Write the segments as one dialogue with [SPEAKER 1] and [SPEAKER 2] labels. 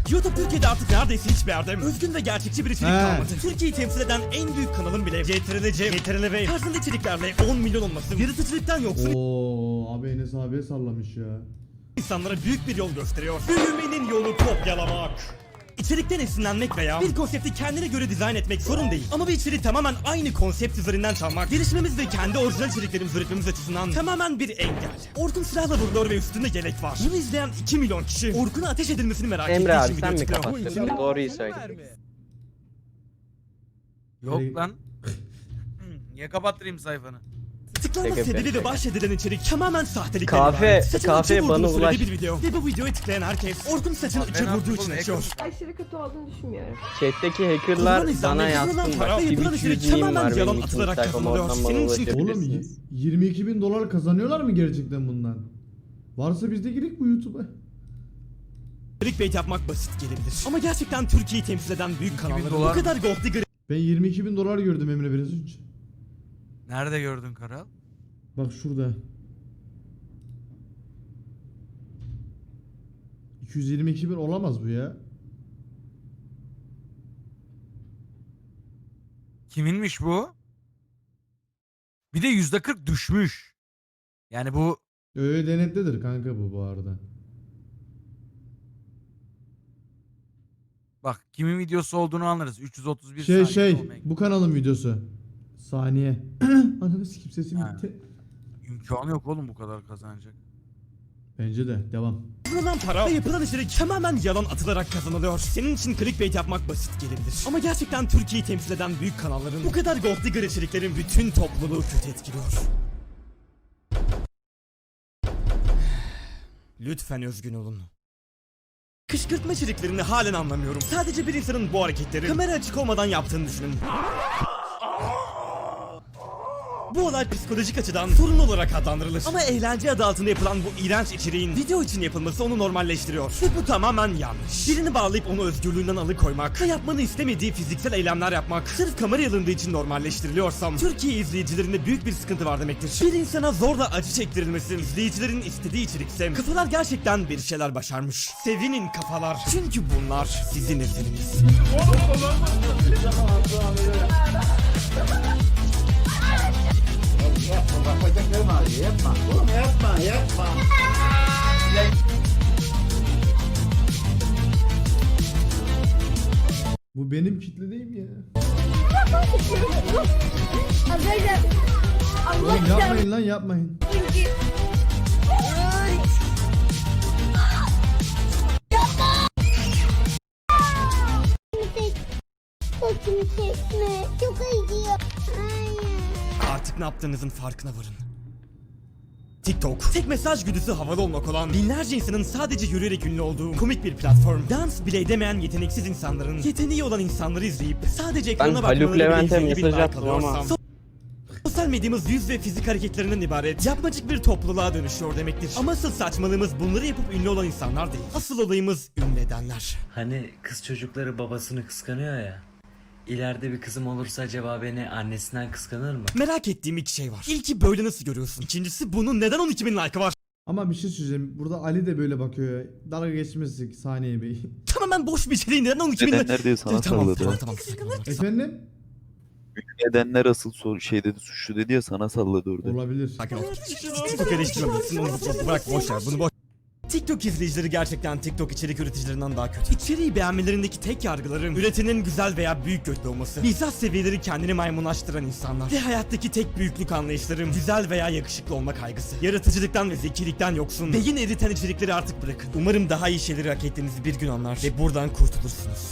[SPEAKER 1] YouTube Türkiye'de artık neredeyse hiçbir yerde özgün ve gerçekçi bir içerik kalmadı. Türkiye'yi temsil eden en büyük kanalın bile CTRL tarzında içeriklerle 10 milyon olması yaratıcılıktan yoksun
[SPEAKER 2] Abi Enes abiye sallamış ya.
[SPEAKER 1] insanlara büyük bir yol gösteriyor. Büyümenin yolu kopyalamak. İçerikten esinlenmek veya bir konsepti kendine göre dizayn etmek sorun değil. Ama bir içeriği tamamen aynı konsept üzerinden çalmak, gelişmemiz ve kendi orijinal içeriklerimizi üretmemiz açısından tamamen bir engel. Orkun silahla vuruluyor ve üstünde yelek var. Bunu izleyen 2 milyon kişi Orkun'a ateş edilmesini merak ettiği
[SPEAKER 3] Emre abi
[SPEAKER 1] için
[SPEAKER 3] sen
[SPEAKER 1] video
[SPEAKER 3] mi
[SPEAKER 1] çıkıyor.
[SPEAKER 3] kapattın? Doğruyu söyle.
[SPEAKER 4] Yok lan. Niye kapattırayım sayfanı?
[SPEAKER 1] Tıklanma
[SPEAKER 3] Şaka
[SPEAKER 1] sebebi
[SPEAKER 3] yapıyorum,
[SPEAKER 1] ve bahsedilen içerik tamamen sahtelik.
[SPEAKER 3] Kahve bana ulaş.
[SPEAKER 1] Bir video ve bu videoyu tıklayan herkes Orkun saçını
[SPEAKER 4] Abi
[SPEAKER 1] üçe
[SPEAKER 4] ben
[SPEAKER 1] vurduğu için
[SPEAKER 4] yaptım,
[SPEAKER 1] açıyor.
[SPEAKER 5] Aşırı kötü olduğunu düşünmüyorum.
[SPEAKER 3] Chat'teki hackerlar bana yazsın bak. Twitch yüzeyim var benim için sayfam oradan bana
[SPEAKER 2] Oğlum
[SPEAKER 3] ulaşabilirsiniz.
[SPEAKER 2] 22.000 dolar kazanıyorlar mı gerçekten bundan? Varsa biz de girek bu YouTube'a.
[SPEAKER 1] Clickbait yapmak basit gelebilir. Ama gerçekten Türkiye'yi temsil eden büyük kanalların bu
[SPEAKER 4] dolar mı?
[SPEAKER 1] kadar gold digger
[SPEAKER 2] Ben 22.000 dolar gördüm Emre biraz önce.
[SPEAKER 4] Nerede gördün Karal?
[SPEAKER 2] Bak şurada. 222.000 olamaz bu ya.
[SPEAKER 4] Kiminmiş bu? Bir de %40 düşmüş. Yani bu
[SPEAKER 2] Öyle denetlidir kanka bu arada.
[SPEAKER 4] bak kimin videosu olduğunu anlarız. 331 saniye olmayı-
[SPEAKER 2] Bu kanalın videosu. Saniye. Ananı sikip sesim
[SPEAKER 4] Ha.
[SPEAKER 2] gitti.
[SPEAKER 4] İmkanı yok oğlum bu kadar kazanacak.
[SPEAKER 2] Bence de devam.
[SPEAKER 1] kazanılan para ve yapılan içerik tamamen yalan atılarak kazanılıyor. Senin için clickbait yapmak basit gelebilir. Ama gerçekten Türkiye'yi temsil eden büyük kanalların bu kadar gold digger içeriklerin bütün topluluğu kötü etkiliyor. Lütfen özgün olun. Kışkırtma içeriklerini halen anlamıyorum. Sadece bir insanın bu hareketleri kamera açık olmadan yaptığını düşünün. Bu olay psikolojik açıdan sorun olarak adlandırılır. Ama eğlence adı altında yapılan bu iğrenç içeriğin video için yapılması onu normalleştiriyor. Ve bu tamamen yanlış. Birini bağlayıp onu özgürlüğünden alıkoymak ve yapmanı istemediği fiziksel eylemler yapmak sırf kamera alındığı için normalleştiriliyorsam Türkiye izleyicilerinde büyük bir sıkıntı var demektir. Bir insana zorla acı çektirilmesi izleyicilerin istediği içerikse kafalar gerçekten bir şeyler başarmış. Sevinin kafalar. Çünkü bunlar sizin eseriniz.
[SPEAKER 2] Bu benim kitle değil mi ya?
[SPEAKER 5] Arkadaşlar Allah
[SPEAKER 2] Oğlum yapmayın lan yapmayın.
[SPEAKER 5] Saçımı çekme. Çok acıyor. Hayır.
[SPEAKER 1] Artık ne yaptığınızın farkına varın. TikTok, tek mesaj güdüsü havalı olmak olan binlerce insanın sadece yürüyerek ünlü olduğu komik bir platform. Dans bile edemeyen yeteneksiz insanların yeteneği olan insanları izleyip sadece ekrana bakmaları
[SPEAKER 3] Haluk
[SPEAKER 1] bile
[SPEAKER 3] Levent'e
[SPEAKER 1] izleyici bir
[SPEAKER 3] mesaj
[SPEAKER 1] like
[SPEAKER 3] attım ama.
[SPEAKER 1] alıyorsam, sosyal medyamız yüz ve fizik hareketlerinden ibaret yapmacık bir topluluğa dönüşüyor demektir. Ama asıl saçmalığımız bunları yapıp ünlü olan insanlar değil. Asıl olayımız ünlü edenler.
[SPEAKER 6] Hani kız çocukları babasını kıskanıyor ya. İleride bir kızım olursa acaba beni annesinden kıskanır mı?
[SPEAKER 1] Merak ettiğim iki şey var. İlki böyle nasıl görüyorsun? İkincisi bunun neden 12.000 like'ı var?
[SPEAKER 2] Ama bir şey söyleyeceğim. Burada Ali de böyle bakıyor. Dalga geçmesi Saniye Bey.
[SPEAKER 1] Tamamen boş bir şey. Neden 12.000
[SPEAKER 7] Nedenler diye sana salladı.
[SPEAKER 1] Tamam.
[SPEAKER 2] Efendim?
[SPEAKER 7] Nedenler asıl şey dedi, suçlu dedi ya, sana salladı orada.
[SPEAKER 2] Olabilir.
[SPEAKER 1] Sakin ol. TikTok eleştirmemelisin. Onu bırak boş ver. Bunu boş. TikTok izleyicileri gerçekten TikTok içerik üreticilerinden daha kötü. İçeriği beğenmelerindeki tek yargıları üretenin güzel veya büyük götlü olması. Mizah seviyeleri kendini maymunlaştıran insanlar. Ve hayattaki tek büyüklük anlayışlarım güzel veya yakışıklı olma kaygısı. Yaratıcılıktan ve zekilikten yoksun. Beyin eriten içerikleri artık bırakın. Umarım daha iyi şeyleri hak ettiğinizi bir gün anlar ve buradan kurtulursunuz.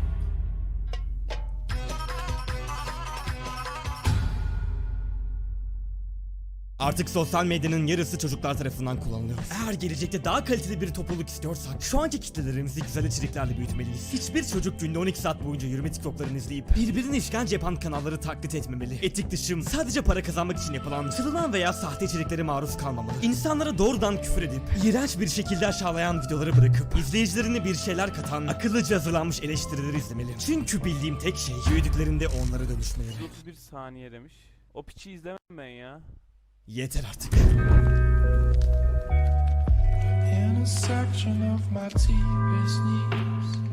[SPEAKER 1] Artık sosyal medyanın yarısı çocuklar tarafından kullanılıyor. Eğer gelecekte daha kaliteli bir topluluk istiyorsak şu anki kitlelerimizi güzel içeriklerle büyütmeliyiz. Hiçbir çocuk günde 12 saat boyunca yürüme TikTok'larını izleyip birbirini işkence yapan kanalları taklit etmemeli. Etik dışım sadece para kazanmak için yapılan, çalınan veya sahte içeriklere maruz kalmamalı. İnsanlara doğrudan küfür edip iğrenç bir şekilde aşağılayan videoları bırakıp izleyicilerine bir şeyler katan akıllıca hazırlanmış eleştirileri izlemeli. Çünkü bildiğim tek şey büyüdüklerinde onlara dönüşmeleri.
[SPEAKER 8] 31 saniye demiş. O piçi izlemem ben ya.
[SPEAKER 1] Yeter artık.
[SPEAKER 9] In a section of my deepest needs,